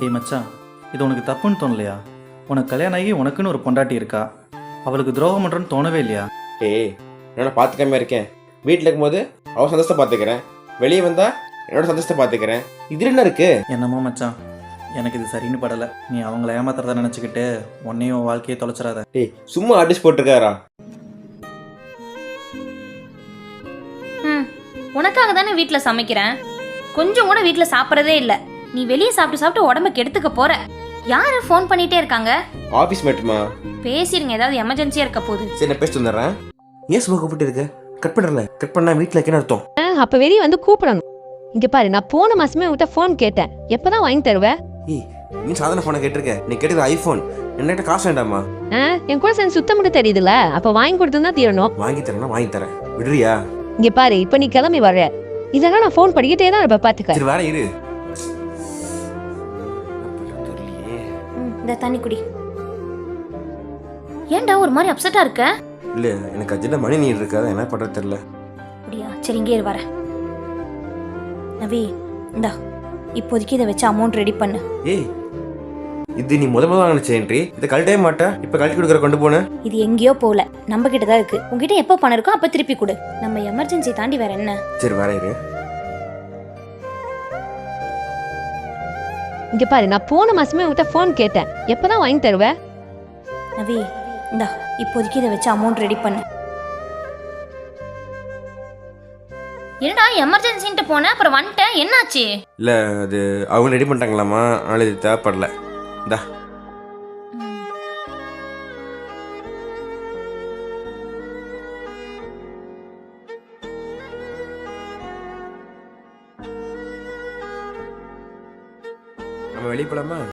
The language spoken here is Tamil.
டேய் மச்சான், இது உனக்கு தப்புன்னு தோணலையா? உனக்கு கல்யாணம் ஆகி உனக்குன்னு ஒரு பொண்டாட்டி இருக்கா, அவளுக்கு துரோகம் பண்ணுறன்னு தோணவே இல்லையா? ஏய், நான் பார்த்துக்காம இருக்கேன். வீட்டில் இருக்கும்போது அவள் சந்தோஷத்தை பார்த்துக்கிறேன், வெளியே வந்தா என்னோட சந்தோஷத்தை பார்த்துக்கிறேன். இது என்ன இருக்கு? என்னமோ மச்சான், எனக்கு இது சரின்னு படலை. நீ அவங்கள ஏமாத்துறதா நினச்சிக்கிட்டு உன்னையும் உன் வாழ்க்கையை தொலைச்சிடாத. ஏய், சும்மா அட்ஜஸ்ட் போட்டிருக்காரா? உனக்காக தானே வீட்டில் சமைக்கிறேன். கொஞ்சம் கூட வீட்டில் சாப்பிட்றதே இல்லை. நீ வெளியே சாப்பிட்டு சாப்பிட்டு உடம்ப கெடுத்துக்க போற. யாரு ஃபோன் பண்ணிட்டே இருக்காங்க? ஆஃபீஸ் மேட்டுமா. பேசிருங்க, ஏதாவது எமர்ஜென்சியா இருக்க போகுது. சரி, நான் பேசிட்டு வந்துடுறேன். ஏன் சும்மா கூப்பிட்டு இருக்க? கட் பண்ணுறல. கட் பண்ணா வீட்டில் இருக்கேன்னு அர்த்தம். அப்ப வெளியே வந்து கூப்பிடணும். இங்க பாரு, நான் போன மாசமே உங்ககிட்ட ஃபோன் கேட்டேன். எப்பதான் வாங்கி தருவ? ஏய், நீ சாதாரண ஃபோனை கேட்டிருக்க. நீ கேட்டது ஐஃபோன். என்கிட்ட காசு வேண்டாமா? என் கூட சேர்ந்து சுத்தம் மட்டும் தெரியுதுல, அப்ப வாங்கி கொடுத்துதான் தீரணும். வாங்கி தரேன்னா வாங்கி தரேன், விடுறியா? இங்க பாரு, இப்ப நீ கிளம்பி வர்ற. இதெல்லாம் நான் ஃபோன் படிக்கிட்டே தான் இப்ப பாத்துக்க. சரி, வேற இரு. இந்த தண்ணி குடி. ஏன்டா ஒரு மாதிரி அப்செட்டா இருக்க? இல்ல, எனக்கு அர்ஜென்ட்டா மணி நீர் இருக்காது, என்ன பண்றது தெரியல. அப்படியா? சரி, இங்கே வர. நவி, இந்தா இப்போதைக்கு இதை வச்சு அமௌண்ட் ரெடி பண்ணு. ஏய், இது நீ முதல்ல நினைச்சேன்ட்ரி. இதை கழட்டவே மாட்டேன். இப்ப கழட்டி கொடுக்குற கொண்டு போன. இது எங்கேயோ போகல, நம்ம கிட்ட தான் இருக்கு. உங்ககிட்ட எப்போ பணம் இருக்கோ அப்ப திருப்பி கொடு. நம்ம எமர்ஜென்சி தாண்டி வேற என்ன? சரி, வேற இரு. இங்க பாரு, நான் போன மாசமே உங்ககிட்ட ஃபோன் கேட்டேன். எப்பதான் வாங்கி தருவ? நவி, இந்தா இப்போதைக்கு இதை வச்சு அமௌண்ட் ரெடி பண்ணு. என்னடா எமர்ஜென்சின்ட்டு போன, அப்புறம் வந்துட்டேன், என்னாச்சு? இல்ல, அது அவங்க ரெடி பண்ணிட்டாங்களாமா, அதனால இது தேவைப்படல. இந்தா. நம்ம வெளியே போலாமா?